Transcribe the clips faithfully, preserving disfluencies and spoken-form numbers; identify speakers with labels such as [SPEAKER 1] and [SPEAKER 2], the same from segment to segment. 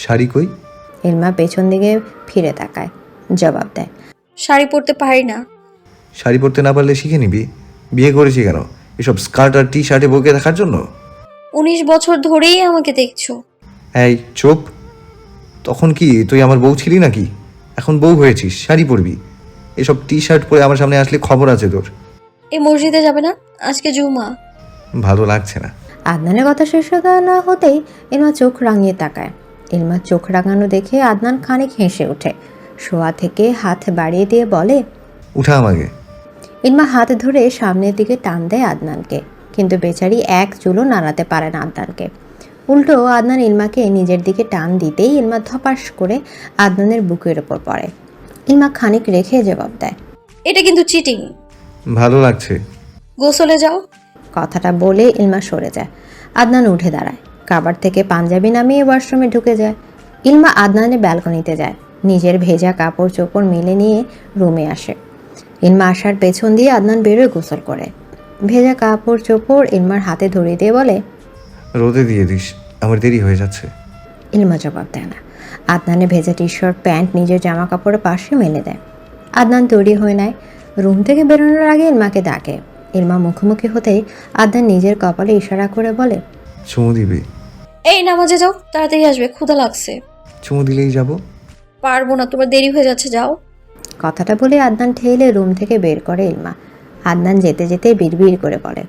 [SPEAKER 1] শাড়ি কই?
[SPEAKER 2] ইলমা পেছন দিকে ফিরে তাকায়, জবাব দেয়,
[SPEAKER 3] শাড়ি পরতে পারি না।
[SPEAKER 1] শাড়ি পরতে না পারলে শিখে নিবি। বিয়ে করেছি কেন? এসব স্কার্ট আর টি শার্টে বউকে দেখার জন্য?
[SPEAKER 3] উনিশ বছর ধরেই আমাকে দেখছো।
[SPEAKER 1] এই চুপ। তখন কি তুই আমার বউ ছিলি নাকি? এখন বউ হয়েছিস, শাড়ি পরবি। এসব টি শার্ট পরে আমার সামনে আসলে খবর আছে তোর।
[SPEAKER 3] এই মসজিদে যাবে না? আজকে জুমা।
[SPEAKER 1] ভালো লাগছে না।
[SPEAKER 2] আদনানের কথা শেষ না হতেই ইলমা চোখ রাঙিয়ে তাকায়। ইলমার চোখ রাঙানো দেখে আদনান খানিক হেসে ওঠে। শোয়া থেকে হাত বাড়িয়ে দিয়ে বলে,
[SPEAKER 1] উঠা আমাকে।
[SPEAKER 2] ইলমা হাত ধরে সামনের দিকে টান দেয় আদনানকে, কিন্তু বেচারি এক চুলও নাড়াতে পারে না আদনানকে। উল্টো আদনান ইলমাকে নিজের দিকে টান দিতেই ইলমা ধপাস করে আদনানের বুকের ওপর পড়ে। ইলমা খানিক রেখে জবাব দেয়,
[SPEAKER 3] এটা কিন্তু চিটিং।
[SPEAKER 1] ভালো লাগছে।
[SPEAKER 3] গোসলে যাও।
[SPEAKER 2] কথাটা বলে ইলমা সরে যায়। আদনান উঠে দাঁড়ায়, কাবার থেকে পাঞ্জাবি নামিয়ে ওয়াশরুমে ঢুকে যায়। ইলমা আদনানের ব্যালকনিতে যায়, নিজের ভেজা কাপড় চোপড় মেলে নিয়ে রুমে আসে। ইলমা আসার পেছন দিয়ে আদনান বেরোয় গোসল করে। ভেজা কাপড় চোপড় ইলমার হাতে ধরিয়ে দিয়ে বলে,
[SPEAKER 1] রোদে দিয়ে দিস, আমার দেরি হয়ে যাচ্ছে।
[SPEAKER 2] ইলমা জবাব দেয় না। আদনানের ভেজা টি শার্ট প্যান্ট নিজের জামা কাপড়ের পাশে মেলে দেয়। আদনান তৈরি হয়ে নেয়। রুম থেকে বেরোনোর আগে ইলমাকে ডাকে। ইলমা মুখোমুখি হতেই আদনান নিজের কপালে ইশারা করে বলে,
[SPEAKER 1] চুমু দিবি?
[SPEAKER 3] এই নামাজে যাও, তাড়াতাড়ি আসবে, ক্ষুধা লাগছে।
[SPEAKER 1] চুমু দিলেই যাব।
[SPEAKER 3] পারবো না, তোমার দেরি হয়ে যাচ্ছে, যাও।
[SPEAKER 2] কথাটা বলে আদনান ঠেলে রুম থেকে বের করে ইলমা। আদনান যেতে যেতে বিড়বিড় করে বলে,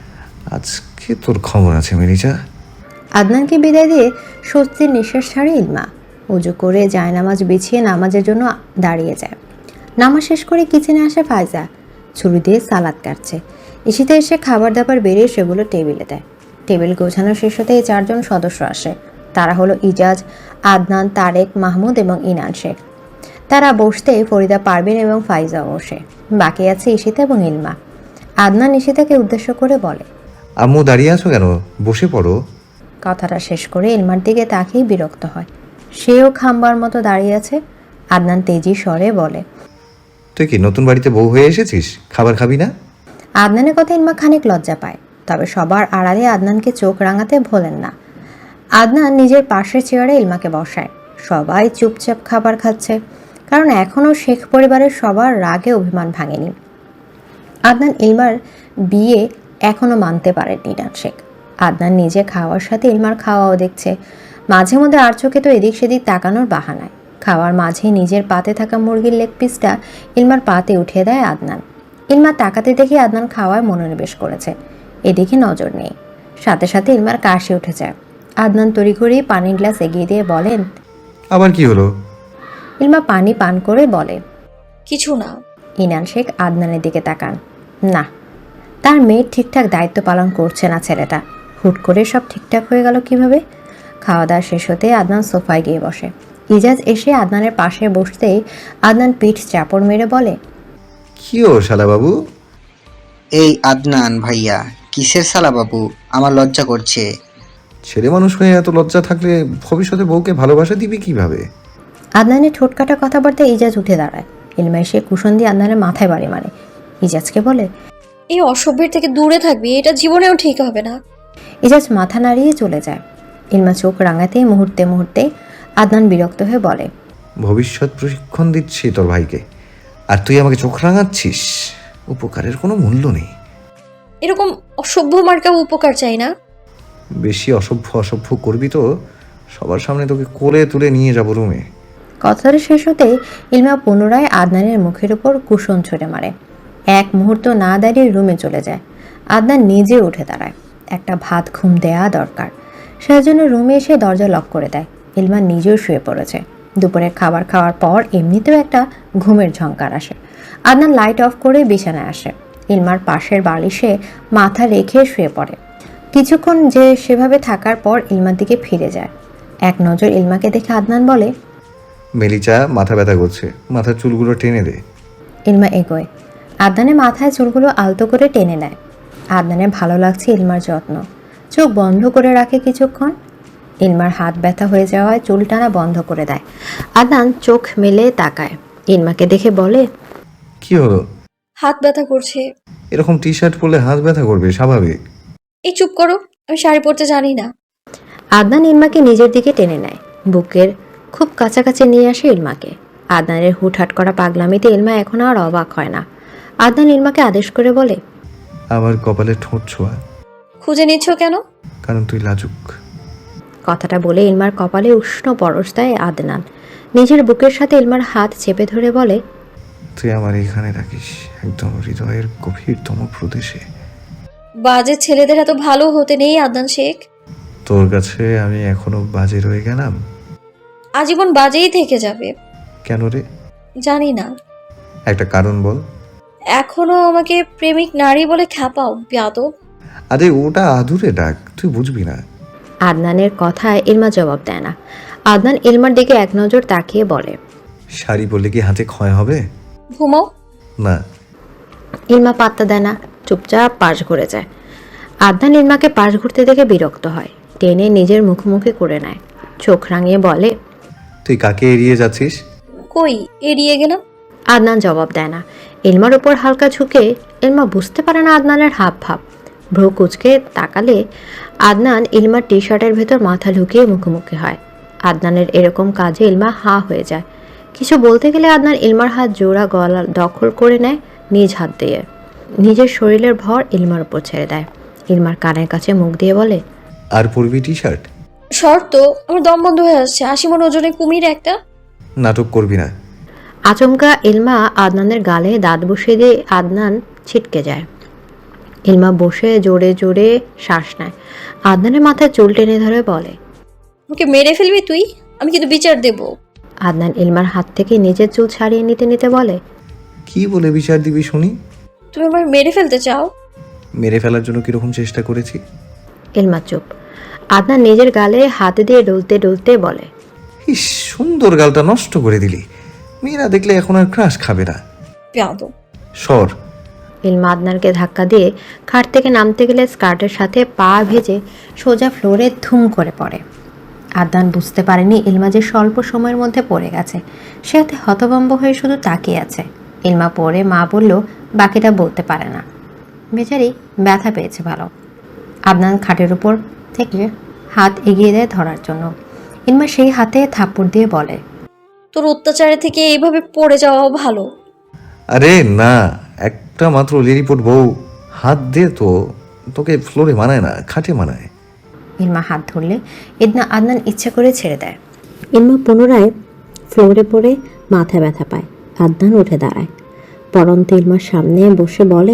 [SPEAKER 1] আজকে তোর খবর আছে মেরিজা।
[SPEAKER 2] আদনানকে বিদায় দিয়ে স্বস্তির নিঃশ্বাস ছাড়ে ইলমা। উজু করে জায়নামাজ বিছিয়ে নামাজের জন্য দাঁড়িয়ে যায়। নামাজ শেষ করে কিচেনে আসে ফায়জা, ছুরি দিয়ে সালাদ কাটছে। ইসিতে এসে খাবার দাবার বেরিয়ে সেগুলো টেবিলে দেয়। টেবিল গোছানো শেষ হতে এই চারজন সদস্য আসে। তারা হলো ইজাজ, আদনান, তারেক, মাহমুদ এবং ইনান শেখ। তারা বসতে ফরিদা পারভিন এবং ফাইজা বসে। বাকি আছে ইশিতা এবং ইলমা। আদনান ইশিতাকে উদ্দেশ্য করে বলে,
[SPEAKER 1] আম্মু দাঁড়িয়ে আছো কেন? বসে পড়ো।
[SPEAKER 2] কথাটা শেষ করে ইলমার দিকে তাকিয়ে বিরক্ত হয়। সেও খাম্বার মতো দাঁড়িয়ে আছে। আদনান তেজি স্বরে বলে,
[SPEAKER 1] তুই কি নতুন বাড়িতে বউ হয়ে এসেছিস? খাবার খাবি না?
[SPEAKER 2] আদনানের কথা ইলমা খানিক লজ্জা পায়, তবে সবার আড়ালে আদনানকে চোখ রাঙাতে ভোলেন না। আদনান নিজের পাশের চেয়ারে ইলমাকে বসায়। সবাই চুপচাপ খাবার খাচ্ছে, কারণ এখনও শেখ পরিবারের সবার রাগে অভিমান ভাঙেনি। আদনান ইলমার বিয়ে এখনও মানতে পারেননি ইনান শেখ। আদনান নিজে খাওয়ার সাথে ইলমার খাওয়াও দেখছে। মাঝে মধ্যে আর চোখে তো এদিক সেদিক তাকানোর বাহানায় খাওয়ার মাঝে নিজের পাতে থাকা মুরগির লেগ পিসটা ইলমার পাতে উঠিয়ে দেয় আদনান। ইলমা তাকাতে দেখে আদনান খাওয়ায় মনোনিবেশ করেছে, এদিকে নজর নেই। সাথে সাথে ইলমার কাশি উঠে যায়। আদনান তড়িঘড়ি পানির গ্লাস এগিয়ে দিয়ে বলেন,
[SPEAKER 1] আবার কি হলো?
[SPEAKER 2] ইলমা পানি পান করে বলে,
[SPEAKER 3] কিছু না।
[SPEAKER 2] ইনান শেখ আদনানের দিকে তাকান। না, তার মেয়ের ঠিকঠাক দায়িত্ব পালন করছে না ছেলেটা। হুট করে সব ঠিকঠাক হয়ে গেল কিভাবে? খাওয়া দাওয়া শেষ হতে আদনান সোফায় গিয়ে বসে। ইজাজ এসে আদনানের পাশে বসতেই আদনান পিঠ চাপড় মেরে বলে,
[SPEAKER 1] কি ও শালা বাবু?
[SPEAKER 4] এই আদনান ভাইয়া, কিসের সালা বাবু? আমার লজ্জা করছে।
[SPEAKER 1] ছেলে মানুষ হয়ে এত লজ্জা থাকলে ভবিষ্যতে বউকে ভালোবাসা দিবি কিভাবে?
[SPEAKER 2] আদনানের ঠোঁটকাটা কথাবার্তায় ইজাজ উঠে দাঁড়ায়। ইলমা এসে কুশন দিয়ে আদনানের মাথায় বাড়ি মারে। ইজাজকে বলে,
[SPEAKER 3] এই অসভ্যের থেকে দূরে থাকবি, এটা জীবনেও ঠিক হবে না।
[SPEAKER 2] ইজাজ মাথা নাড়িয়ে চলে যায়। ইলমা চোখ রাঙাতেই মুহূর্তে মুহূর্তে আদনান বিরক্ত হয়ে বলে,
[SPEAKER 1] ভবিষ্যৎ প্রশিক্ষণ দিচ্ছি তোর ভাইকে, আর তুই আমাকে চোখ রাঙাচ্ছিস? উপকারের কোনো মূল্য নেই।
[SPEAKER 3] এরকম অসভ্য মার্কা উপকার চাই না।
[SPEAKER 1] বেশি অসভ্য অসভ্য করবি তো সবার সামনে তোকে কোলে তুলে নিয়ে যাবো রুমে।
[SPEAKER 2] কথাটা শেষ হতেই ইলমা পুনরায় আদনানের মুখের উপর কুশন ছুঁড়ে মারে। এক মুহূর্ত না দাঁড়িয়ে রুমে চলে যায়। আদনান নিজে উঠে দাঁড়ায়। একটা ভাত ঘুম দেয়া দরকার, সেজন্য রুমে এসে দরজা লক করে দেয়। ইলমা নিজেও শুয়ে পড়েছে। দুপুরের খাবার খাওয়ার পর এমনিতেও একটা ঘুমের ঝঙ্কার আসে। আদনান লাইট অফ করে বিছানায় আসে। ইলমার পাশের বালিশে মাথা রেখে শুয়ে পড়ে। কিছুক্ষণ যে সেভাবে থাকার পর ইলমার দিকে ফিরে যায়। এক নজর ইলমাকে দেখে আদনান বলে,
[SPEAKER 1] মেলিচা মাথা ব্যথা করছে, মাথার চুলগুলো টেনে দে।
[SPEAKER 2] ইলমা এগোয়। আদনানের মাথায় চুলগুলো আলতো করে টেনে নেয়। আদনানের ভালো লাগছে ইলমার যত্ন। চোখ বন্ধ করে রাখে কিছুক্ষণ। ইলমার হাত ব্যথা হয়ে যাওয়ায় চুল টানা বন্ধ করে দেয়। আদনান চোখ মেলে তাকায়। ইলমাকে দেখে বলে,
[SPEAKER 1] কি হলো?
[SPEAKER 3] হাত ব্যথা করছে।
[SPEAKER 1] এরকম টি শার্ট পরলে হাত ব্যথা করবে, স্বাভাবিক।
[SPEAKER 3] এই চুপ করো, আমি শাড়ি পরতে জানি না।
[SPEAKER 2] আদনান ইলমাকে নিজের দিকে টেনে নেয়। বুকের খুব কাছাকাছি নিয়ে আসে ইলমাকে। আদনানের হুটহাট করা পাগলামিতে ইলমা এখন আর অবাক হয় না। আদনান ইলমাকে আদেশ করে বলে,
[SPEAKER 1] আমার কপালে ঠোঁট ছোঁয়া,
[SPEAKER 3] খুঁজে নিচ্ছ কেন?
[SPEAKER 1] কারণ তুই লাজুক।
[SPEAKER 2] কথাটা বলে ইলমার কপালে উষ্ণ পরশ দেয় আদনান। নিজের বুকের সাথে ইলমার হাত চেপে ধরে বলে,
[SPEAKER 1] তুই আমার এখানে রাখিস, একদম হৃদয়ের গভীরতম প্রদেশে।
[SPEAKER 3] বাজে ছেলেদের এত ভালো হতে নেই আদনান শেখ।
[SPEAKER 1] তোর কাছে আমি এখনো বাজে রয়ে গেলাম?
[SPEAKER 3] আজীবন বাজেই থেকে যাবে।
[SPEAKER 1] কেন রে?
[SPEAKER 3] জানি না।
[SPEAKER 1] একটা কারণ বল।
[SPEAKER 3] এখনো আমাকে প্রেমিক নারী বলে খ্যাপাও বেয়াদব।
[SPEAKER 1] আরে ওটা আদুরে ডাক, তুই বুঝবি না।
[SPEAKER 2] আদনানের কথায় ইলমা জবাব দেয় না। আদনান ইলমার দিকে এক নজর তাকিয়ে বলে,
[SPEAKER 1] শাড়ি পরলে কি হাতে ক্ষয় হবে?
[SPEAKER 3] ঘুমাও।
[SPEAKER 1] না।
[SPEAKER 2] ইলমা পাত্তা দেয় না, চুপচাপ পাশ ঘুরে যায়। আদনান ইলমাকে পাশ ঘুরতে দেখে বিরক্ত হয়, টেনে নিজের মুখোমুখি করে নেয়। চোখ রাঙিয়ে বলে,
[SPEAKER 1] তুই কাকে এড়িয়ে যাচ্ছিস?
[SPEAKER 3] কই এড়িয়ে গেলাম?
[SPEAKER 2] আদনান জবাব দেয় না। ইলমার উপর হালকা ঝুঁকে ইলমা বুঝতে পারে না আদনানের হাব ভাব। ভ্রু কুচকে তাকালে আদনান ইলমার টি শার্টের ভেতর মাথা ঢুকিয়ে মুখোমুখি হয়। আদনানের এরকম কাজে ইলমা হা হয়ে যায়। কিছু বলতে গেলে আদনান ইলমার হাত জোড়া গলা দখল করে নেয় নিজ হাত দিয়ে। নিজের শরীরের ভর ইলমার উপর ছেড়ে দেয়। ইলমার কানের কাছে মুখ দিয়ে বলে,
[SPEAKER 1] আর পরবি টি শার্ট?
[SPEAKER 3] শর্ত, আমার দম বন্ধ হয়ে আসছে। আশি মন ওজনে কুমির একটা।
[SPEAKER 1] নাটক করবি না।
[SPEAKER 2] আচমকা ইলমা আদনানের গালে দাঁত বসিয়ে দিয়ে আদনান ছিটকে যায়। ইলমা বসে জোরে জোরে শ্বাস নেয়। আদনানের মাথায় চুল টেনে ধরে বলে,
[SPEAKER 3] আমাকে মেরে ফেলবি তুই? আমি কিন্তু বিচার দেব।
[SPEAKER 2] আদনান ইলমার হাত থেকে নিজের চুল ছাড়িয়ে নিতে নিতে বলে,
[SPEAKER 1] কি বলে বিচার দিবি শুনি?
[SPEAKER 3] তুমি আমার মেরে ফেলতে চাও?
[SPEAKER 1] মেরে ফেলার জন্য কিরকম চেষ্টা করেছি?
[SPEAKER 2] ইলমা চুপ। আদনান নিজের গালে হাত দিয়ে ডলতে ডলতে বলে,
[SPEAKER 1] ইস, সুন্দর গালটা নষ্ট করে দিলি। মেয়েরা দেখলে এখন আর ক্রাশ খাবে না।
[SPEAKER 3] বেয়াদব।
[SPEAKER 1] সর।
[SPEAKER 2] ইলমা আদনানকে ধাক্কা দিয়ে খাট থেকে নামতে গেলে স্কার্টের সাথে পা ভেজে সোজা ফ্লোরে ধুম করে পড়ে। আদনান বুঝতে পারেনি ইলমা যে স্বল্প সময়ের মধ্যে পড়ে গেছে। সে হাতে হতভম্ব হয়ে শুধু তাকিয়ে আছে। ইলমা পড়ে মা বলল বাকিটা বলতে পারে না। বেচারি ব্যথা পেয়েছে ভালো। আদনান খাটের উপর থেকে হাত এগিয়ে দেয় ধরার জন্য। ইলমা সেই হাতে থাপ্পড় দিয়ে বলে,
[SPEAKER 3] তোর অত্যাচারে থেকে এইভাবে পড়ে যাওয়া ভালো।
[SPEAKER 1] আরে না, একটা মাত্র লিরিপোর্ট বউ, হাত দে তো। তোকে ফ্লোরে মানায় না, খাটে মানায়।
[SPEAKER 2] ইলমা হাত ধরলে ইদনা আদনান ইচ্ছা করে ছেড়ে দেয়। ইলমা পুনরায় ফ্লোরে পড়ে মাথা ব্যথা পায়। আদনান উঠে দাঁড়ায়, পরন্ত ইলমার সামনে বসে বলে,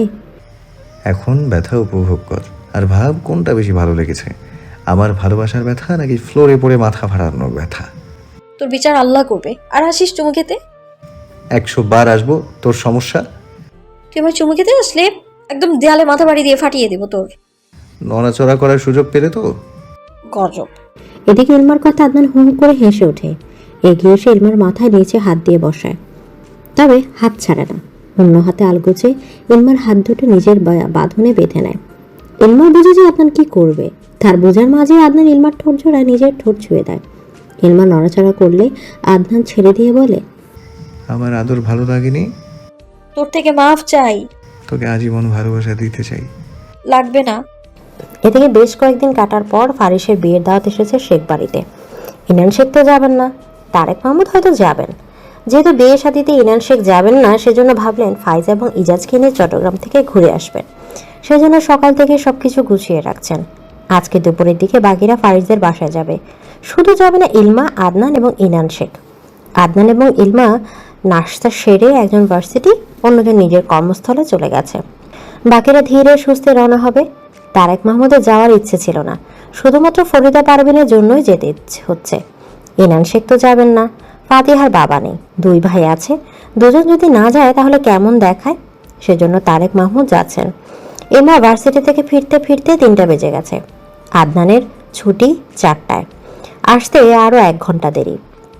[SPEAKER 1] এখন ব্যথা উপভোগ কর, আর ভাব কোনটা বেশি ভালো লেগেছে, আমার ভালোবাসার ব্যথা নাকি ফ্লোরে পড়ে মাথা ফাটানোর ব্যথা।
[SPEAKER 3] তোর বিচার আল্লাহ করবে। আর আসিস চুমু খেতে।
[SPEAKER 1] একশো বার আসবো, তোর সমস্যা?
[SPEAKER 3] তুই আমার চুমু খেতে আসলে একদম দেয়ালে মাথা বাড়ি দিয়ে ফাটিয়ে দেবো তোর।
[SPEAKER 1] নড়াচড়া করার সুযোগ পেলে তো।
[SPEAKER 3] গজব।
[SPEAKER 2] এদিকে ইলমার কথা আদনান হু হু করে হেসে ওঠে। এগিয়ে এসে ইলমার মাথায় নিচে হাত দিয়ে বসায়, তবে হাত ছাড়ে না। অন্য হাতে আলগোছে ইলমার হাত দুটো নিজের বা- বাঁধনে বেঁধে নেয়। ইলমা বুঝে যে আদনান কি করবে। তার বোঝার মাঝে আদনান ইলমার ঠোঁট জোড়ায় নিজের ঠোঁট ছুঁয়ে দেয়। ইলমা নড়াচড়া করলে আদনান ছেড়ে দিয়ে বলে,
[SPEAKER 1] আমার আদর ভালো লাগেনি?
[SPEAKER 3] তোর থেকে মাফ চাই।
[SPEAKER 1] তোকে আজীবন ভালোবাসা দিতে চাই।
[SPEAKER 3] লাগবে না।
[SPEAKER 2] এদিকে বেশ কয়েকদিন কাটার পর ফারিসের বিয়ের দাওয়াত এসেছে শেখ বাড়িতে। ইনান শেখ তো যাবেন না, তারেক মাহমুদ হয়তো যাবেন। যেহেতু বিয়ে শাদিতে ইনান শেখ যাবেন না, সেজন্য ভাবলেন ফাইজা এবং ইজাজকে নিয়ে চট্টগ্রাম থেকে ঘুরে আসবেন। সেজন্য সকাল থেকে সবকিছু গুছিয়ে রাখছেন। আজকে দুপুরের দিকে বাকিরা ফারিসদের বাসায় যাবে। শুধু যাবে না ইলমা, আদনান এবং ইনান শেখ। আদনান এবং ইলমা নাশতা সেরে একজন ভার্সিটি, অন্যজন নিজের কর্মস্থলে চলে গেছে। বাকিরা ধীরে সুস্থে রওনা হবে। তারেক মাহমুদের যাওয়ার ইচ্ছে ছিল না, শুধুমাত্র ফরিদা পারভিনের জন্যই যেতে ইচ্ছে হচ্ছে। ইনান শেখ তো যাবেন না, ফাতিহার বাবা নেই, দুই ভাই আছে, দুজন যদি না যায় তাহলে কেমন দেখায়। সেজন্য তারেক মাহমুদ যাচ্ছেন। ইলমা ভার্সিটি থেকে ফিরতে ফিরতে তিনটা বেজে গেছে। আদনানের ছুটি চারটায়, আসতে আরও এক ঘন্টা দেরি।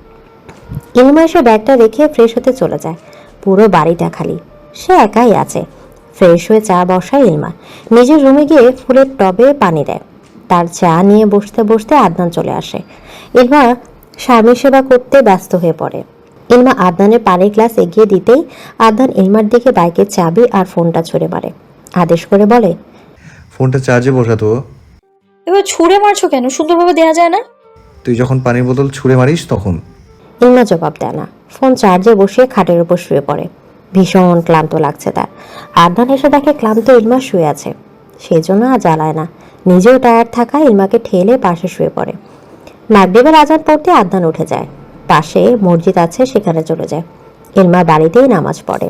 [SPEAKER 2] ইলমা এসে ব্যাগটা রেখে ফ্রেশ হতে চলে যায়। পুরো বাড়িটা খালি, সে একাই আছে। ফ্রেশ হয়ে চা বসায় ইলমা। নিজের রুমে গিয়ে ফুলের টবে পানি দেয়। তার চা নিয়ে বসতে বসতে আদনান চলে আসে। ইলমা স্বামী সেবা করতে ব্যস্ত হয়ে পড়ে। ইলমা আদনানের পানির গ্লাস এগিয়ে দিতেই আদনান ইলমার দিকে বাইকের চাবি আর ফোনটা ছুঁড়ে মারে। আদেশ করে বলে,
[SPEAKER 1] ফোনটা চার্জে বসাতো।
[SPEAKER 3] এবার ছুঁড়ে মারছো কেন? সুন্দরভাবে দেয়া যায় না?
[SPEAKER 1] তুই যখন পানির বোতল ছুঁড়ে মারিস তখন।
[SPEAKER 2] ইলমা জবাব দেয় না, ফোন চার্জে বসিয়ে খাটের উপর শুয়ে পড়ে। ভীষণ ক্লান্ত লাগছে তার। আদনান এসে দেখে ক্লান্ত ইলমা শুয়ে আছে, সেই জন্য আর জ্বালায় না। নিজেও টায়ার্ড থাকা ইলমাকে ঠেলে পাশে শুয়ে পড়ে। মাগরিবের আজান পড়তে আদনান উঠে যায়। পাশে মসজিদ আছে, সেখানে চলে যায়। ইলমা বাড়িতেই নামাজ পড়ে।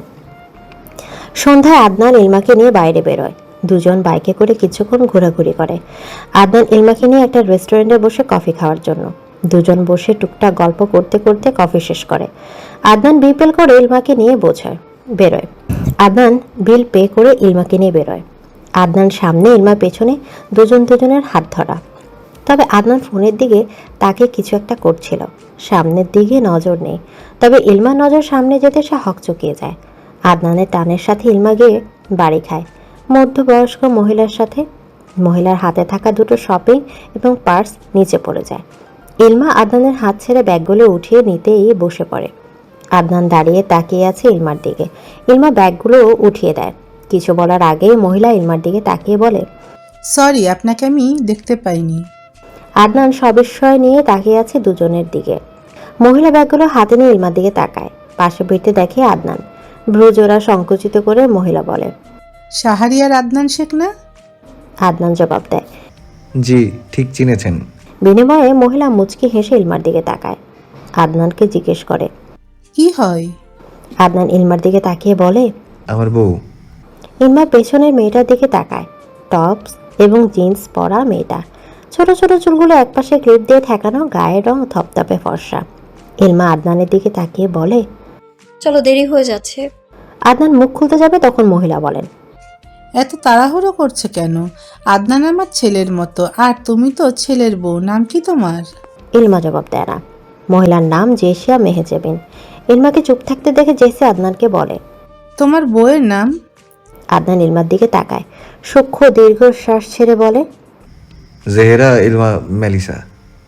[SPEAKER 2] সন্ধ্যায় আদনান ইলমাকে নিয়ে বাইরে বেরোয়। দুজন বাইকে করে কিছুক্ষণ ঘোরাঘুরি করে। আদনান ইলমাকে নিয়ে একটা রেস্টুরেন্টে বসে কফি খাওয়ার জন্য। দুজন বসে টুকটাক গল্প করতে করতে কফি শেষ করে। আদনান বিল পে করে ইলমাকে নিয়ে বোঝায় বেরোয়। আদনান বিল পে করে ইলমাকে নিয়ে বেরোয়। আদনান সামনে, ইলমা পেছনে, দুজন দুজনের হাত ধরা। তবে আদনান ফোনের দিকে তাকে কিছু একটা করছিল। সামনের দিকে নজর নেই, তবে ইলমার নজর সামনে যেতে সে হকচকিয়ে যায়। আদনানের টানের সাথে ইলমা গিয়ে বাড়ি খায় মধ্যবয়স্ক মহিলার সাথে। মহিলার হাতে থাকা দুটো শপিং এবং পার্স নিচে পড়ে যায়। ইলমা আদনানের হাত ছেড়ে ব্যাগগুলো উঠিয়ে নিতেই বসে পড়ে। আদনান দাঁড়িয়ে তাকিয়ে আছে ইলমার দিকে। ইলমা ব্যাগগুলো উঠিয়ে দেয়। কিছু বলার আগেই মহিলা ইলমার দিকে তাকিয়ে বলে,
[SPEAKER 5] সরি, আপনাকে আমি দেখতে পাইনি।
[SPEAKER 2] আদনান সবিস্ময় নিয়ে তাকিয়ে আছে দুজনের দিকে। মহিলা ব্যাগগুলো হাতে নিয়ে ইলমার দিকে তাকায়। পাশে ফিরতে দেখে আদনান। ভ্রুজোড়া সংকুচিত করে মহিলা বলে,
[SPEAKER 5] শাহরিয়ার আদনান শেখ না?
[SPEAKER 2] আদনান জবাব দেয়।
[SPEAKER 1] জি, ঠিক চিনেছেন।
[SPEAKER 2] বিনিময়ে মহিলা মুচকি হেসে ইলমার দিকে তাকায়। আদনানকে জিজ্ঞেস করে,
[SPEAKER 5] কি হয়?
[SPEAKER 2] আদনান ইলমার দিকে তাকিয়ে বলে,
[SPEAKER 1] আমার বউ।
[SPEAKER 2] ইলমা পেছনের মেয়েটার দিকে তাকায়। টপস এবং জিন্স পরা মেয়েটা, ছোট ছোট চুলগুলো একপাশে ক্লিপ দিয়ে ঠেকানো, গায়ের রং থপথপে ফর্সা। ইলমা আদনানের দিকে তাকিয়ে বলে,
[SPEAKER 3] চলো, দেরি হয়ে যাচ্ছে।
[SPEAKER 2] আদনান মুখ খুলতে যাবে তখন মহিলা বলেন,
[SPEAKER 5] এত তাড়াহুড়ো করছে কেন? আদনান আমার ছেলের মতো, আর তুমি তো ছেলের বউ। নাম কি তোমার?
[SPEAKER 2] ইলমা জবাব দেয় না। মহিলার নাম জেসিয়া মেহেজেবিন। ইলমাকে চুপ থাকতে দেখে জেসি আদনানকে বলে,
[SPEAKER 5] তোমার বউয়ের নাম?
[SPEAKER 2] আদনান ইলমার দিকে তাকায়, সূক্ষ্ম দীর্ঘশ্বাস ছেড়ে বলে,
[SPEAKER 1] জেহেরা ইলমা মেলিসা।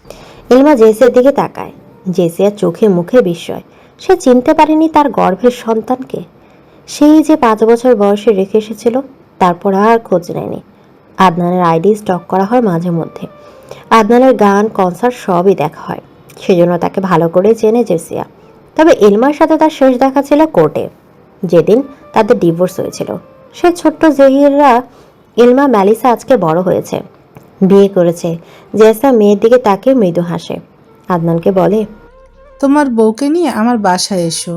[SPEAKER 2] ইলমা জেসিয়ার দিকে তাকায়। জেসিয়ার চোখে মুখে বিস্ময়। সে চিনতে পারেনি তার গর্ভের সন্তানকে। সেই যে পাঁচ বছর বয়সে রেখে এসেছিল, তারপর আর খোঁজ নেয়নি। আদনানের আইডি স্টক করা হয় মাঝে মধ্যে। আদনানের গান, কনসার্ট সবই দেখা হয়, সেজন্য তাকে ভালো করে চেনে জেসিয়া। তবে ইলমার সাথে তার শেষ দেখা ছিল কোর্টে, যেদিন তাদের ডিভোর্স হয়েছিল। সে ছোট্ট জহিররা ইলমা ম্যালিসা আজকে বড় হয়েছে, বিয়ে করেছে। জেসা মেয়ের দিকে তাকিয়ে মৃদু হাসে। আদনানকে বলে,
[SPEAKER 5] তোমার বউকে নিয়ে আমার বাসায় এসো।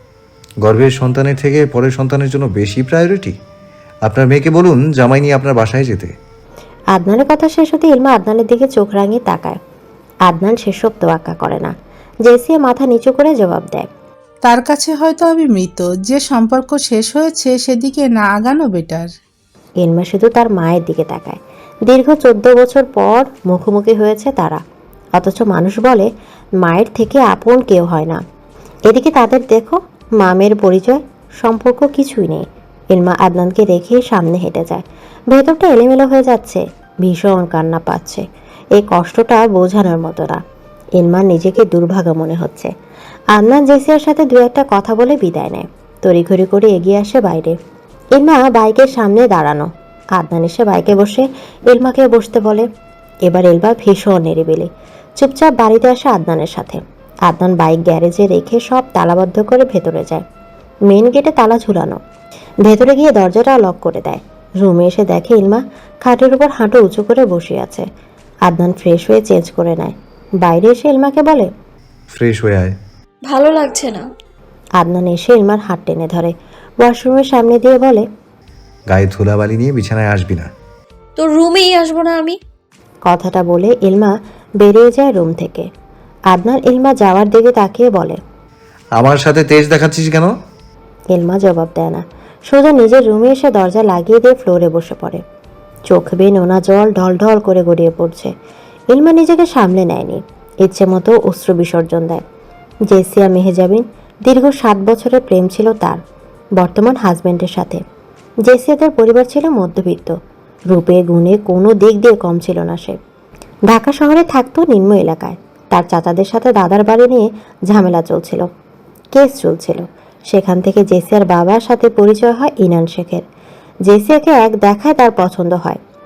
[SPEAKER 1] গর্ভের সন্তানের থেকে পরের সন্তানের জন্য বেশি প্রায়োরিটি। আপনার মেয়েকে বলুন জামাই নিয়ে আপনার বাসায় যেতে।
[SPEAKER 2] আদনানের কথা শেষ হতে ইলমা আদনানের দিকে চোখ রাঙিয়ে তাকায়। আদনান সেসব তোয়াক্কা করে না। জেসিয়া মাথা নিচু করে জবাব দেয়,
[SPEAKER 5] তার কাছে হয়তো আমি মৃত। যে সম্পর্ক শেষ হয়েছে সেদিকে না আগানো বেটার।
[SPEAKER 2] ইলমা শুধু তার মায়ের দিকে তাকায়। দীর্ঘ চোদ্দ বছর পর মুখোমুখি হয়েছে তারা, অথচ মানুষ বলে মায়ের থেকে আপন কেউ হয় না। এদিকে তাদের দেখো, মামের পরিচয়, সম্পর্ক কিছুই নেই। ইলমা আদনানকে রেখে সামনে হেঁটে যায়। ভেতরটা এলোমেলো হয়ে যাচ্ছে, ভীষণ কান্না পাচ্ছে। এই কষ্টটা বোঝানোর মতো না। ইলমার নিজেকে দুর্ভাগা মনে হচ্ছে। আদনান জেসিয়ার সাথে দু একটা কথা বলে বিদায় নেয়। তড়িঘড়ি করে এগিয়ে আসে বাইরে। ইলমা বাইকের সামনে দাঁড়ানো। আদনান এসে বাইকে বসে ইলমাকে বসতে বলে। এবার ইলমা ভীষণ নিরিবিলি, চুপচাপ বাড়িতে আসে আদনানের সাথে। আদনান বাইক গ্যারেজে রেখে সব তালাবদ্ধ করে ভেতরে যায়। মেন গেটে তালা ঝুলানো। ভেতরে গিয়ে দরজাটা লক করে দেয়। রুমে এসে দেখে ইলমা খাটের উপর হাঁটু উঁচু করে বসে আছে। আদনান ফ্রেশ হয়ে চেঞ্জ করে নেয়। বাইরে এসে ইলমাকে বলে,
[SPEAKER 1] ফ্রেশ হয়ে আয়।
[SPEAKER 3] ভালো লাগছে না।
[SPEAKER 2] আদনান এসে ইলমার হাত টেনে ধরে, ওয়াশরুমের সামনে দিয়ে বলে,
[SPEAKER 1] গায়ে ধুলাবালি নিয়ে বিছানায় আসবি না।
[SPEAKER 3] তো রুমেই আসবো না আমি?
[SPEAKER 2] কথাটা বলে ইলমা বেরিয়ে যায় রুম থেকে। আদনান ইলমা যাওয়ার দিকে তাকিয়ে বলে,
[SPEAKER 1] আমার সাথে তেজ দেখাচ্ছিস কেন?
[SPEAKER 2] ইলমা জবাব দেয় না, সোজা নিজের রুমে এসে দরজা লাগিয়ে দিয়ে ফ্লোরে বসে পড়ে। চোখ বেয়ে নোনা জল ঢল ঢল করে গড়িয়ে পড়ছে। ইলমা নিজেকে সামলে নেয়নি, ইচ্ছে মতো অশ্রু বিসর্জন দেয়। জেসিয়া মেহেজাবিন, দীর্ঘ সাত বছরের প্রেম ছিল তার বর্তমান হাজব্যান্ডের সাথে। জেসিয়াদের পরিবার ছিল মধ্যবিত্ত, রূপে গুণে কোনো দিক দিয়ে কম ছিল না সে। ঢাকা শহরে থাকতো নিম্ন এলাকায়। তার চাচাদের সাথে দাদার বাড়ি নিয়ে ঝামেলা চলছিল, কেস চলছিল। সেখান থেকে জেসিয়ার বাবার সাথে পরিচয় হয় ইনান শেখের। জেসিয়াকে এক দেখায় তার পছন্দ হয়।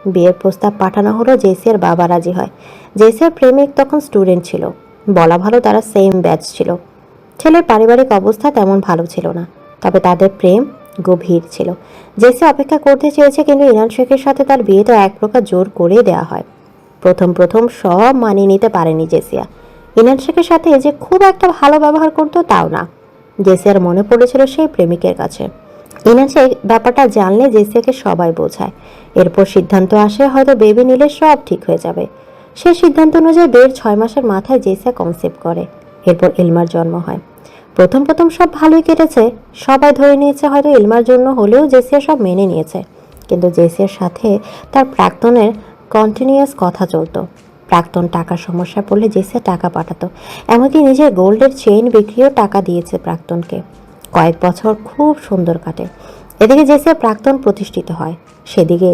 [SPEAKER 6] বিয়ের প্রস্তাব পাঠানো হলো, জেসিয়ার বাবা রাজি হয়। জেসিয়ার প্রেমিক তখন স্টুডেন্ট ছিল, বলা ভালো তারা সেম ব্যাচ ছিল। ছেলের পারিবারিক অবস্থা তেমন ভালো ছিল না, তবে তাদের প্রেম গভীর ছিল। জেসি অপেক্ষা করতে চেয়েছে, কিন্তু ইনান শেখের সাথে তার বিয়েটা এক প্রকার জোর করে দেওয়া হয়। প্রথম প্রথম সব মানিয়ে নিতে পারেনি জেসিয়া। ইনান শেখের সাথে যে খুব একটা ভালো ব্যবহার করতো তাও না। জেসিয়ার মনে পড়েছিল সেই প্রেমিকের কাছে। ইনান শেখ ব্যাপারটা জানলে জেসিয়াকে সবাই বোঝায়। এরপর সিদ্ধান্ত আসে হয়তো বেবি নিলে সব ঠিক হয়ে যাবে। সে সিদ্ধান্ত অনুযায়ী বিয়ের ছয় মাসের মাথায় জেসিয়া কনসেপ্ট করে। এরপর ইলমার জন্ম হয়। প্রথম প্রথম সব ভালোই কেটেছে, সবাই ধরে নিয়েছে হয়তো ইলমার জন্য হলেও জেসিয়া সব মেনে নিয়েছে। কিন্তু জেসিয়ার সাথে তার প্রাক্তনের কন্টিনিউয়াস কথা চলতো। প্রাক্তন টাকার সমস্যা পড়লে জেসিয়া টাকা পাঠাতো, এমনকি নিজের গোল্ডের চেইন বিক্রিও টাকা দিয়েছে প্রাক্তনকে। কয়েক বছর খুব সুন্দর কাটে। এদিকে জেসিয়া প্রাক্তন প্রতিষ্ঠিত হয়, সেদিকে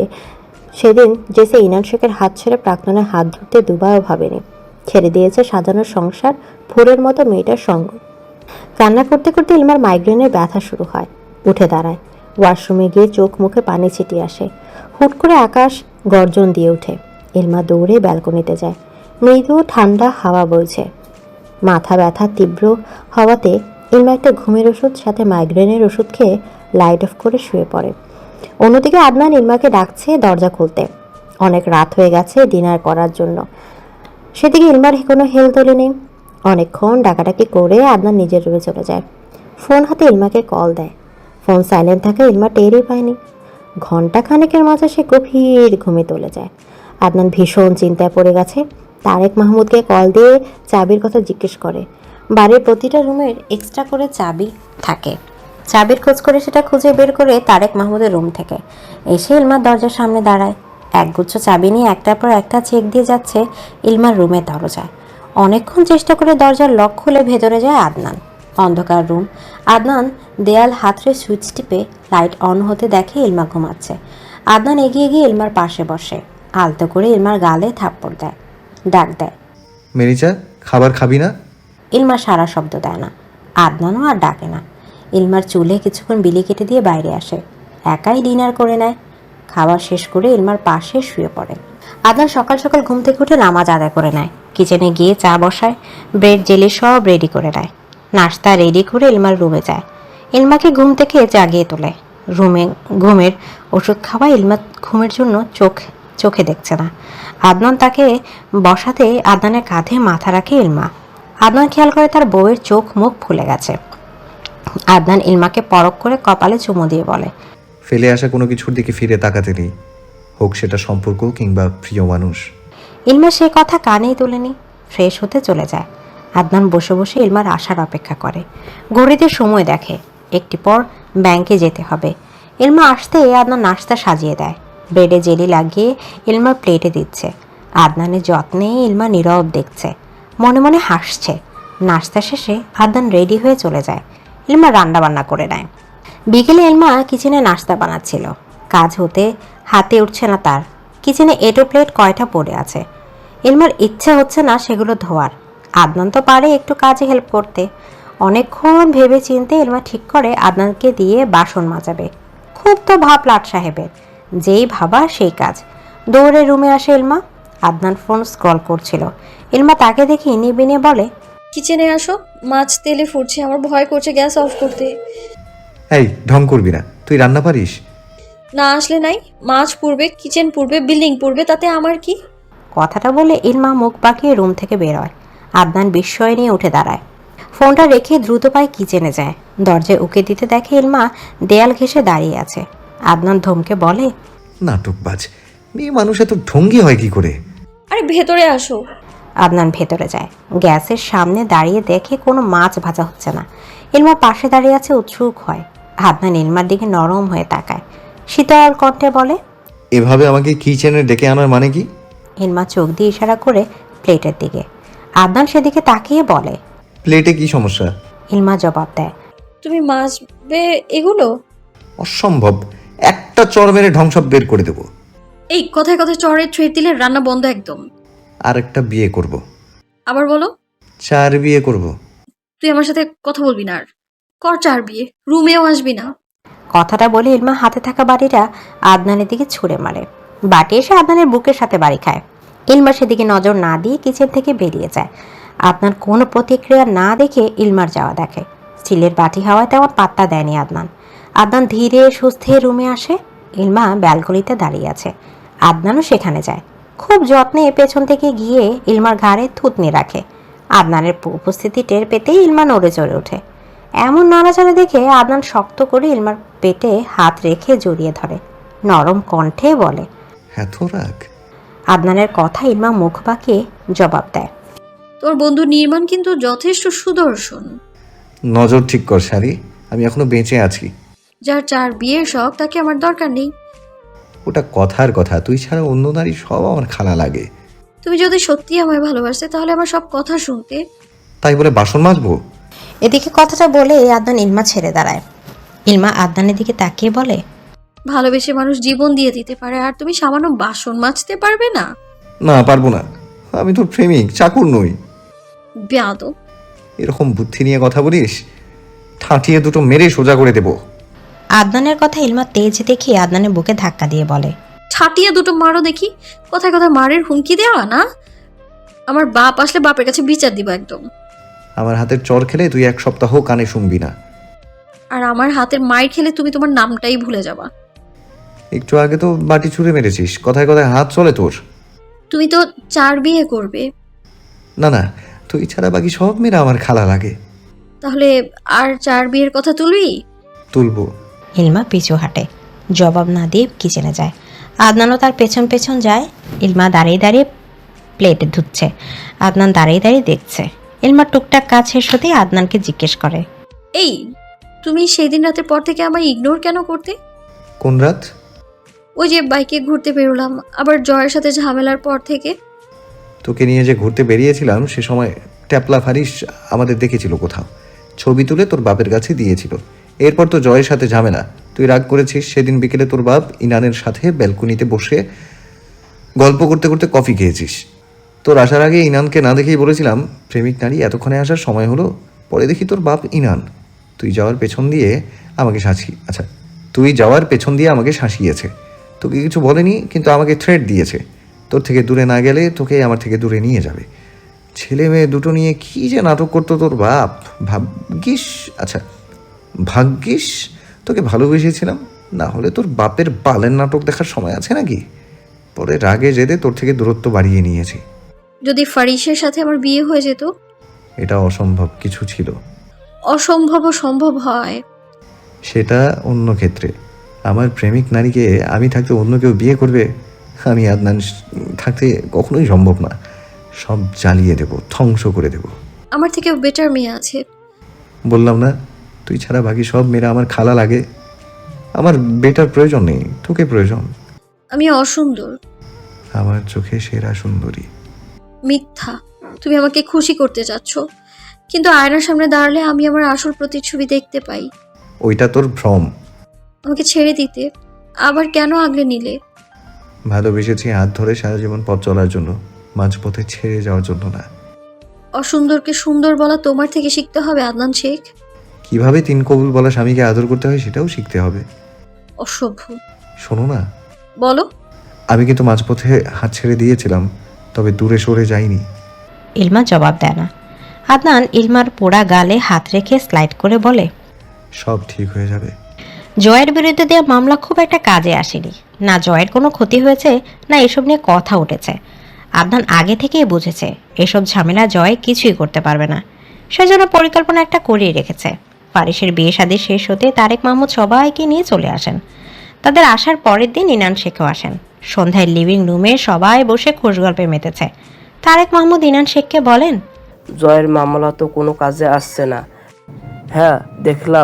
[SPEAKER 6] সেদিন জেসিয়া ইনান শেখের হাত ছেড়ে প্রাক্তনের হাত ধরতে দুবারও ভাবেনি। ছেড়ে দিয়েছে সাজানোর সংসার, ফুলের মতো মেয়েটার সঙ্গ। কান্না করতে করতে ইলমার মাইগ্রেনের ব্যথা শুরু হয়। উঠে দাঁড়ায়, ওয়াশরুমে গিয়ে চোখ মুখে পানি ছিটিয়ে আসে। হুট করে আকাশ গর্জন দিয়ে ওঠে। ইলমা দৌড়ে ব্যালকনিতে যায়। মৃদু ঠান্ডা হাওয়া বইছে। মাথা ব্যথা তীব্র হওয়াতে ইলমা একটা ঘুমের ওষুধ সাথে মাইগ্রেনের ওষুধ খেয়ে লাইট অফ করে শুয়ে পড়ে। অন্যদিকে আদনান ইলমাকে ডাকছে দরজা খুলতে। অনেক রাত হয়ে গেছে ডিনার করার জন্য। সেদিকে ইলমার কোনো হেল তোলে নেই। অনেকক্ষণ ডাকাডাকি করে আদনান নিজের রুমে চলে যায়। ফোন হাতে ইলমাকে কল দেয়। ফোন সাইলেন্ট থাকে, ইলমা টেরই পায়নি। ঘন্টা খানেকের মাঝে সে গভীর ঘুমে চলে যায়। আদনান ভীষণ চিন্তায় পড়ে গেছে। তারেক মাহমুদকে কল দিয়ে চাবির কথা জিজ্ঞেস করে। বাড়ির প্রতিটা রুমের এক্সট্রা করে চাবি থাকে। চাবির খোঁজ করে সেটা খুঁজে বের করে তারেক মাহমুদের রুম থেকে এসে ইলমার দরজার সামনে দাঁড়ায়। একগুচ্ছ চাবি নিয়ে একটার পর একটা চেক দিয়ে যাচ্ছে ইলমার রুমের দরজায়। অনেকক্ষণ চেষ্টা করে দরজার লক খুলে ভেতরে যায় আদনান। অন্ধকার রুম। আদনান দেয়াল হাতড়ে সুইচ টিপে লাইট অন হতে দেখে ইলমা ঘুমাচ্ছে। আদনান এগিয়ে গিয়ে ইলমার পাশে বসে, আলতো করে ইলমার গালে থাপ্পড় দেয়, ডাক দেয়,
[SPEAKER 1] মেরিচা, খাবার খাবি না?
[SPEAKER 2] ইলমা সারা শব্দ দেয় না। আদনানও আর ডাকে না। ইলমার চুলে কিছুক্ষণ বিলি কেটে দিয়ে বাইরে আসে, একাই ডিনার করে নেয়। খাবার শেষ করে ইলমার পাশে শুয়ে পড়ে। আদনান সকাল সকাল ঘুম থেকে উঠে নামাজ আদায় করে নেয়। কিচেনে গিয়ে চা বসায়, ব্রেড জেলি সব রেডি করে নেয়। নাস্তা রেডি করে ইলমার রুমে যায়। ইলমাকে ঘুম থেকে জাগিয়ে তোলে। রুমে ঘুমের ওষুধ খাওয়া ইলমা ঘুমের জন্য চোখ চোখে দেখছে না। আদনান তাকে বসাতে আদনানের কাঁধে মাথা রাখে ইলমা। আদনান খেয়াল করে তার বউয়ের চোখ মুখ ফুলে গেছে। আদনান ইলমাকে পরখ করে কপালে চুমু দিয়ে বলে,
[SPEAKER 1] ফেলে আসা কোনো কিছুর দিকে ফিরে তাকাতে নেই, হোক সেটা সম্পর্ক কিংবা প্রিয় মানুষ।
[SPEAKER 2] ইলমা সে কথা কানেই তোলেনি, ফ্রেশ হতে চলে যায়। আদনান বসে বসে ইলমার আসার অপেক্ষা করে। ঘড়িতে সময় দেখে, একটি পর ব্যাংকে যেতে হবে। ইলমা আসতে আদনান নাস্তা সাজিয়ে দেয়। ব্রেডে জেলি লাগিয়ে ইলমার প্লেটে দিচ্ছে। আদনানের যত্নে ইলমা নীরব দেখছে, মনে মনে হাসছে। নাস্তা শেষে আদনান রেডি হয়ে চলে যায়। ইলমা রান্না বান্না করে নেয়। বিকেলে ইলমা কিচেনে নাস্তা বানাচ্ছিল। কাজ হতে হাতে উঠছে না তার। কিচেনে এটো প্লেট কয়টা পড়ে আছে। ইলমার ইচ্ছা হচ্ছে না সেগুলো ধোয়ার। আদনান তো পারে একটু কাজে হেল্প করতে। অনেকক্ষণ ভেবে চিনতে ইলমা ঠিক করে আদনানকে দিয়ে বাসন মাজাবে। খুব তো ভাব লাট সাহেবের, যেই ভাবা সেই কাজ। দৌড়ে রুমে আসে ইলমা। আদনান ফোন স্ক্রল করছিল। ইলমা তাকে দেখে নিবিনে বলে,
[SPEAKER 3] কিচেনে আসো, মাছ তেলে ফুটছে, আমার ভয় করছে গ্যাস অফ করতে।
[SPEAKER 1] এই ঢং করবি না, তুই রান্না পারিস?
[SPEAKER 3] না আসলে নাই, মাছ পুড়বে, কিচেন পুড়বে, বিল্ডিং পুড়বে, তাতে আমার কি?
[SPEAKER 2] কথাটা বলে ইলমা মুখ বাঁকিয়ে রুম থেকে বের হয়। আদনান বিস্ময় নিয়ে উঠে দাঁড়ায়। ফোনটা রেখে দ্রুত পায়ে কিচেনে যায়। দরজায় উকে দিতে দেখে ইলমা দেয়াল ঘেঁষে দাঁড়িয়ে আছে। আদনান ধমকে বলে,
[SPEAKER 1] নাটকবাজ মেয়ে মানুষ এত ঢঙ্গি হয় কি করে?
[SPEAKER 3] আরে ভেতরে আসো।
[SPEAKER 2] আদনান ভেতরে যায়। গ্যাসের সামনে দাঁড়িয়ে দেখে কোনো মাছ ভাজা হচ্ছে না। ইলমা পাশে দাঁড়িয়ে আছে, উৎসুক হয়। আদনান ইলমার দিকে নরম হয়ে তাকায়, শীতল কণ্ঠে বলে,
[SPEAKER 1] এভাবে আমাকে কিচেনে ডেকে আনার মানে কি?
[SPEAKER 2] ইলমা চোখ দিয়ে ইশারা করে প্লেটের দিকে। আদনান সেদিকে তাকিয়ে বলে,
[SPEAKER 1] প্লেটে কি সমস্যা?
[SPEAKER 3] ইলমা জবাব দেয়, তুমি মাছবে এগুলো?
[SPEAKER 1] অসম্ভব, একটা চর মেরে ধ্বংস বের করে দেবো।
[SPEAKER 3] এই কথায় কথায় চড়ের থ্রেড দিলে রান্না বন্ধ একদম।
[SPEAKER 1] আর একটা বিয়ে করব।
[SPEAKER 3] আবার বলো।
[SPEAKER 1] চার বিয়ে করব।
[SPEAKER 3] তুই আমার সাথে কথা বলবি না আর। কর চার বিয়ে, রুমেও আসবি না।
[SPEAKER 2] কথাটা বলে ইলমা হাতে থাকা বাড়িটা আদনানের দিকে ছুঁড়ে মারে।
[SPEAKER 6] বাটি এসে আদনানের বুকের সাথে বাড়ি খায়। ইলমা সেদিকে নজর না দিয়ে কিচেন থেকে বেরিয়ে যায়। আদনান কোনো প্রতিক্রিয়া না দেখে ইলমার যাওয়া দেখে। স্টিলের বাটি হাওয়ায় তেমন পাত্তা দেয়নি আদনান। আদনান ধীরে সুস্থে রুমে আসে। ইলমা ব্যালকনিতে দাঁড়িয়ে আছে। আদনানও সেখানে যায়। খুব যত্নে পেছন থেকে গিয়ে ইলমার ঘাড়ে থুতনি রাখে। আদনানের উপস্থিতি টের পেতেই ইলমা নড়ে চড়ে ওঠে। এমন নড়াচড়া দেখে আদনান শক্ত করে ইলমার পেটে হাত রেখে জড়িয়ে ধরে। নরম কণ্ঠে বলে,
[SPEAKER 1] এত রাগ?
[SPEAKER 2] আদনানের কথা ইলমা মুখ বাঁকিয়ে জবাব দেয়,
[SPEAKER 3] তোর বন্ধু নির্মাণ কিন্তু যথেষ্ট সুদর্শন।
[SPEAKER 1] নজর ঠিক কর শাড়ি, আমি এখনো বেঁচে আছি।
[SPEAKER 3] যার চার বিয়ের শখ তাকে আমার দরকার নেই।
[SPEAKER 1] ওটা কথার কথা, তুই ছাড়া অন্য নারী সব আমার খালা লাগে।
[SPEAKER 3] তুমি যদি সত্যি আমায় ভালোবাসতে তাহলে আমার সব কথা শুনতে।
[SPEAKER 1] তাই বলে বাসন মাজবো?
[SPEAKER 2] এদিকে কথাটা বলে আদনান ইলমা ছেড়ে দাঁড়ায়। ইলমা আদনানের দিকে তাকিয়ে বলে,
[SPEAKER 3] ভালোবেসে মানুষ জীবন দিয়ে দিতে পারে, আর তুমি সামান্য বাসন মাজতে পারবে না?
[SPEAKER 1] না, পারবো না। আমি তোর প্রেমিক, চাকর নই।
[SPEAKER 3] বেয়াদব।
[SPEAKER 1] এরকম বুদ্ধি নিয়ে কথা বলিস, ঠাঁটিয়ে দুটো মেরে সোজা করে দেবো।
[SPEAKER 2] আদনানের কথা ইলমা তেজ দেখে আদনানের বুকে ধাক্কা দিয়ে বলে,
[SPEAKER 3] ছাটিয়ে দুটো মারো দেখি। কথায় কথায় মারের হুমকি দেওয়া না? আমার বাপ আসলে বাপের কাছে বিচার দিব একদম।
[SPEAKER 1] আমার হাতের চর খেলে তুই এক সপ্তাহ কানে শুনবি না।
[SPEAKER 3] আর আমার হাতের মায়ের খেলে তুমি তোমার নামটাই ভুলে যাবা।
[SPEAKER 1] একটু আগে তো বাটি ছুঁড়ে মেরেছিস, কথায় কথায় হাত চলে তোর।
[SPEAKER 3] তুমি তো চার বিয়ে করবে।
[SPEAKER 1] না না, তুই ছাড়া বাকি সব মেয়েরা আমার খালা লাগে।
[SPEAKER 3] তাহলে আর চার বিয়ের কথা তুলবি?
[SPEAKER 1] তুলবো।
[SPEAKER 2] ইলমা পিছু হাঁটে, জবাব না দিয়ে কিচেনে যায়। আদনানও তার পেছন পেছন যায়। ইলমা দাঁড়িয়ে দাঁড়িয়ে প্লেটে ধুচ্ছে, আদনান দাঁড়িয়ে দাঁড়িয়ে দেখছে। ইলমা টুকটাক কাজ শেষ হতেই আদনানকে জিজ্ঞেস করে,
[SPEAKER 3] এই, তুমি সেই দিন রাতের পর থেকে আমায় ইগনোর কেন করতে?
[SPEAKER 1] কোন রাত?
[SPEAKER 3] ওই যে বাইকে ঘুরতে বেরোলাম, আবার জয়ের সাথে ঝামেলার পর থেকে।
[SPEAKER 1] তোকে নিয়ে যে ঘুরতে বেরিয়েছিলাম সে সময় ট্যাপলা ফারিস আমাদের দেখেছিল কোথাও, ছবি তুলে তোর বাপের কাছে দিয়েছিল। এরপর তো জয়ের সাথে ঝামেলা, তুই রাগ করেছিস। সেদিন বিকেলে তোর বাপ ইনানের সাথে ব্যালকনিতে বসে গল্প করতে করতে কফি খেয়েছিস। তোর আসার আগে ইনানকে না দেখেই বলেছিলাম প্রেমিক নারী এতক্ষণে আসার সময় হলো। পরে দেখি তোর বাপ ইনান তুই যাওয়ার পেছন দিয়ে আমাকে শাসি আচ্ছা তুই যাওয়ার পেছন দিয়ে আমাকে শাসিয়েছে। তোকে কিছু বলেনি, কিন্তু আমাকে থ্রেট দিয়েছে, তোর থেকে দূরে না গেলে তোকে আমার থেকে দূরে নিয়ে যাবে। ছেলে মেয়ে দুটো নিয়ে কী যে নাটক করতো তোর বাপ। ভাগ্যিস আচ্ছা ভাগ্যিস তোকে ভালোবেসেছিলাম, না হলে তোর বাপের বালের নাটক দেখার সময় আছে নাকি? পরে রাগে জেদে তোর থেকে দূরত্ব বাড়িয়ে নিয়েছি।
[SPEAKER 3] যদি ফারিসের সাথে আমার বিয়ে হয়ে যেত?
[SPEAKER 1] এটা অসম্ভব কিছু ছিল।
[SPEAKER 3] অসম্ভব সম্ভব হয়।
[SPEAKER 1] সেটা অন্য ক্ষেত্রে। আমার প্রেমিক নারীকে আমি থাকতে অন্য কেউ বিয়ে করবে? আমি আদনান থাকতে কখনোই সম্ভব না। সব জ্বালিয়ে দেব, ধ্বংস করে দেব।
[SPEAKER 3] আমার থেকেও বেটার মেয়ে আছে।
[SPEAKER 1] বললাম না, তুই ছাড়া বাকি সব মেয়েরা আমার খালা লাগে। আমার বেটার প্রয়োজন নেই, তোকে প্রয়োজন।
[SPEAKER 3] আমি অসুন্দর।
[SPEAKER 1] আমার চোখে সেরা সুন্দরী।
[SPEAKER 3] মিথ্যা। তুমি আমাকে খুশি করতে চাচ্ছ, কিন্তু আয়নার সামনে দাঁড়ালে আমি আমার আসল প্রতিচ্ছবি দেখতে পাই।
[SPEAKER 1] ওইটা তোর ভ্রম।
[SPEAKER 3] আমাকে ছেড়ে দিতে, আবার কেন আগলে নিলে?
[SPEAKER 1] ভালোবেসেছি হাত ধরে সারা জীবন পথ চলার জন্য, মাঝপথে ছেড়ে যাওয়ার জন্য না।
[SPEAKER 3] অসুন্দরকে সুন্দর বলা তোমার থেকে শিখতে হবে আদনান শেখ।
[SPEAKER 1] কিভাবে তিন কবুল বলা স্বামীকে আদর করতে হয় সেটাও শিখতে হবে।
[SPEAKER 3] অসভ্য।
[SPEAKER 1] শোনো না,
[SPEAKER 3] বলো।
[SPEAKER 1] আমি কিন্তু মাঝপথে হাত ছেড়ে দিয়েছিলাম, তবে দূরে সরে যাইনি।
[SPEAKER 2] ইলমা জবাব দেয় না। আদনান ইলমার পোড়া গালে হাত রেখে স্লাইড করে বলে,
[SPEAKER 1] সব ঠিক হয়ে যাবে।
[SPEAKER 2] জয়ের বিরুদ্ধে দেওয়া মামলা খুব একটা কাজে আসেনি। না জয়ের কোনো ক্ষতি হয়েছে, না এসব নিয়ে কথা উঠেছে। আদনান আগে থেকেই বুঝেছে এসব ঝামেলা জয় কিছুই করতে পারবে না। সেজন্য পরিকল্পনা একটা করিয়ে রেখেছে। ফারিসের বিয়ে শাদী শেষ হতে তারেক মাহমুদ সবাইকে নিয়ে চলে আসেন। তাদের আসার পরের দিন ইনান শেখও আসেন। সন্ধ্যায় লিভিং রুমে সবাই বসে খোশগল্পে মেতেছে। তারেক মাহমুদ ইনান শেখকে বলেন,
[SPEAKER 7] জয়ের মামলা তো কোনো কাজে আসছে না। হ্যাঁ দেখলাম।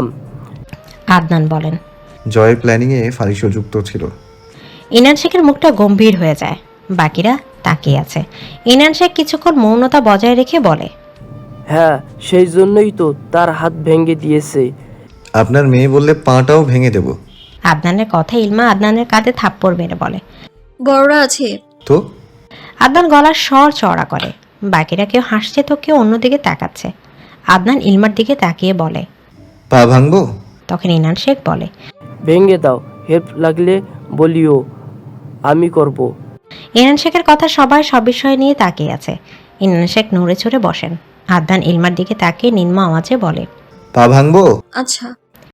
[SPEAKER 2] আদনান বলেন,
[SPEAKER 1] জয়ের প্ল্যানিংয়ে ফারিসও যুক্ত ছিল।
[SPEAKER 2] ইনান শেখের মুখটা গম্ভীর হয়ে যায়। বাকিরা তাকিয়ে আছে। ইনান শেখ কিছুক্ষণ মৌনতা বজায় রেখে বলে,
[SPEAKER 7] হ্যাঁ সেই জন্যই তো তার হাত ভেঙে দিয়েছে।
[SPEAKER 1] আপনার মেয়ে বললে পাটাও ভেঙে দেব।
[SPEAKER 2] আদনানের কথা ইলমা আদনানের কাঁধে থাপ্পড় মেরে বলে,
[SPEAKER 3] বড়রা আছে
[SPEAKER 1] তো
[SPEAKER 2] আদনান গলার স্বর চড়া করে। বাকিরা কেউ হাসছে তো কেউ অন্যদিকে তাকাচ্ছে। আদনান ইলমার দিকে তাকিয়ে বলে,
[SPEAKER 1] পা ভাঙবো?
[SPEAKER 2] তখন ইনান শেখ বলে,
[SPEAKER 7] ভেঙে দাও, হেল্প লাগলে বলিও। আমি করব।
[SPEAKER 2] ইনান শেখের কথা সবাই সব বিষয় নিয়ে তাকিয়ে আছে। ইনান শেখ নড়ে চড়ে বসেন। আদনান ইলমার দিকে তাকিয়ে নিম্ন আওয়াজে বলে,
[SPEAKER 1] পা ভাঙবো?
[SPEAKER 3] আচ্ছা